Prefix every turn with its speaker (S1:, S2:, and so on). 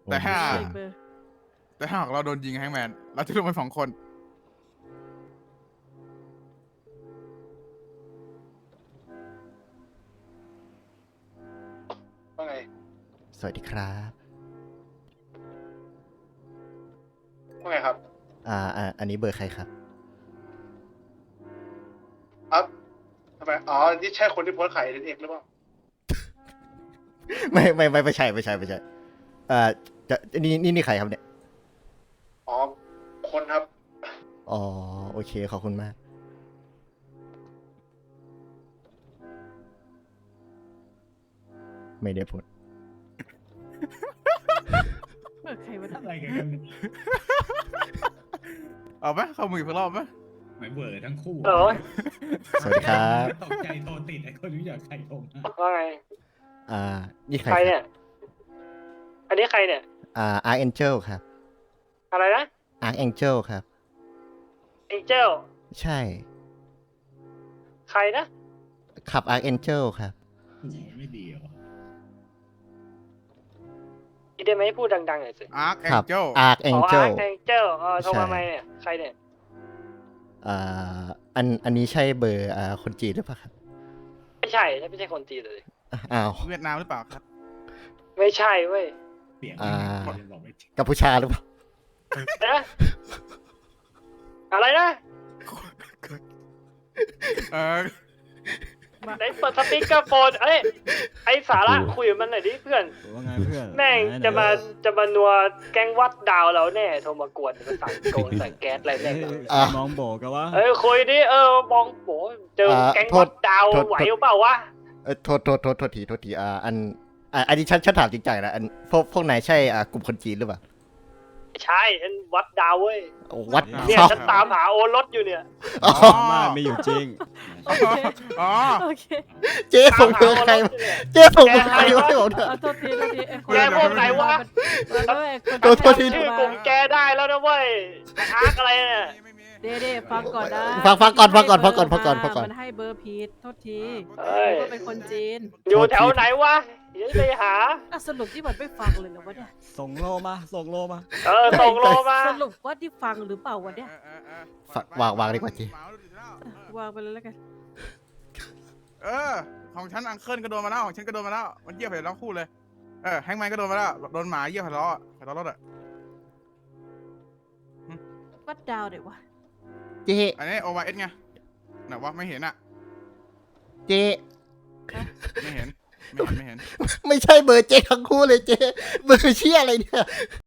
S1: แต่ถ้า
S2: ผม
S3: เลขเบอร์
S1: แต่ถ้าหากเราโดนยิงแฮงแมนเราจะลงไป2 คน
S4: ว่าไง
S2: สวัสดีครับ
S4: ว่าไงครับ
S2: อันนี้เบอร์ใครครับ
S4: อัพทำไมอ๋อนี่ใช่คนที่โพสต์ขายเอ็นเอ็กหรือเปล่า
S2: ไม่ใช่นี่ใครครับเนี่ย
S4: อ๋อคนครับ
S2: อ๋อโอเคขอบคุณมาก ไม่ได้พูด
S3: เบอร์ใครวะเนี่ย
S5: อะไรกันเนี่ย
S1: เอาไหมเข้ามืออีกรอบไหม
S5: หมายเบอร์ทั้งคู่
S4: โอ้ย
S2: สวัสดีครับ
S5: ตกใจโทรติดไอ้คนรู้อยากใครโทรมา
S4: ว่าไง
S2: นี่ใคร
S4: ใคร
S2: ค
S4: เนี่
S2: รับ
S4: ย อันนี้ใครเนี่ย
S2: Archangel ครับ
S4: อะไรนะ
S2: Archangel ครับ
S4: เอ็งเจล
S2: ใช่
S4: ใครนะ
S2: ขับ Archangel ครับ
S5: โอ้โหไม่ดีเหรอ
S4: อีได้ไหมพูดดังๆหน่อยสิ
S1: อาร์คแอ
S2: ครั
S1: งเจิล
S4: อ๋อ
S2: Archangel
S4: เอ็งเจลโทรมาไหมเนี่ย ใครเนี่ย
S2: อันนี้ใช่เบอร์คนจีนหรือเปล่าครับ
S4: ไม่ใช่ไม่ใช่คนจีนเลย
S2: อ้าว
S1: เวียดนามหรือเปล่าครับ
S4: ไม่ใช่เว้ย
S5: เสียง
S2: อ่า
S5: ไม่บอกไม่จริง
S2: กัมพูชาหรือเปล่า
S4: นะ อะไรนะ
S1: เออ
S4: ไหนเปิดสปีกเกอร์โฟนไอ้สาระคุยกับมันหน่อยดิเพื่อน
S6: ว่าไงเพื่อน
S4: แม่ง
S6: ไหน
S4: จะมานัวแก๊งวัดดาวเราแน่โทรมากวนมาสั่งโกนใส่แก๊สอะไรแน่
S6: มองโบกันวะ
S4: คุยดิมองโหเจอแก๊งวัดดาวไหวหรือเปล่าวะ
S2: โทษทีอันนี้ฉันถามจริงๆนะพวกนายใช่กลุ่มคนจีนหรือเปล่า
S4: ใช่ฉันวัดดาวเว้ย
S2: วัด
S4: เนี่ย
S2: ชอบ
S4: ฉันตามหาโอรสอยู่เนี่ย
S2: อ๋อ
S6: มาไม่อยู่จริง
S3: โอเค
S1: อ๋อ
S3: โอเค
S2: เจ๊ส่งเบอร์ใครมาเจ๊ส่งเบอร์ใครมาให้ผมเถอะ
S3: โทษทีไอ้คน
S4: แกพวกไหนวะ
S2: โทษที
S4: ชื่อกลุ่มแกได้แล้วนะเว้ยอาร์คอะไรเนี่ย
S1: ไม่มี
S3: เด้ฟังก่อนนะ
S2: ฟังก่อน
S3: มันให้เบอร์ผิดโทษที
S4: เอ้ย
S3: ก็เป็นคนจีน
S4: อยู่แถวไหนวะเดี๋ยวไปหา
S3: สรุปที่มันไม่ฟังเลยเหรอวะเนี่ย
S6: ส่งโลมา ส่งโลมา
S4: ส่งโลมา
S3: สรุปว่าที่ฟังหรือเปล่าวะเนี่ย
S2: วางดีกว่าเจ๊
S3: วางไปเลยแล้วกัน
S1: ของฉันอังเคิลก็โดนมาแล้วของฉันก็โดนมาแล้วมันเยี่ยมไปแล้วคู่เลยแฮงแมนก็โดนมาแล้วโดนหมาเยี่ยมไปแล้วไปล้อรถอ่ะ
S3: วัดดาวเดี๋ยววะ
S2: เจ๊
S1: อันนี้โอวาเอสไงไหนวะไม่เห็นอ่ะ
S2: เจ๊
S1: ไม่เห็น
S2: ไม่ใช่เบอร์เจ๊ทั้งคู่เลยเจ๊เบอร์เชี่ยอะไรเนี่ย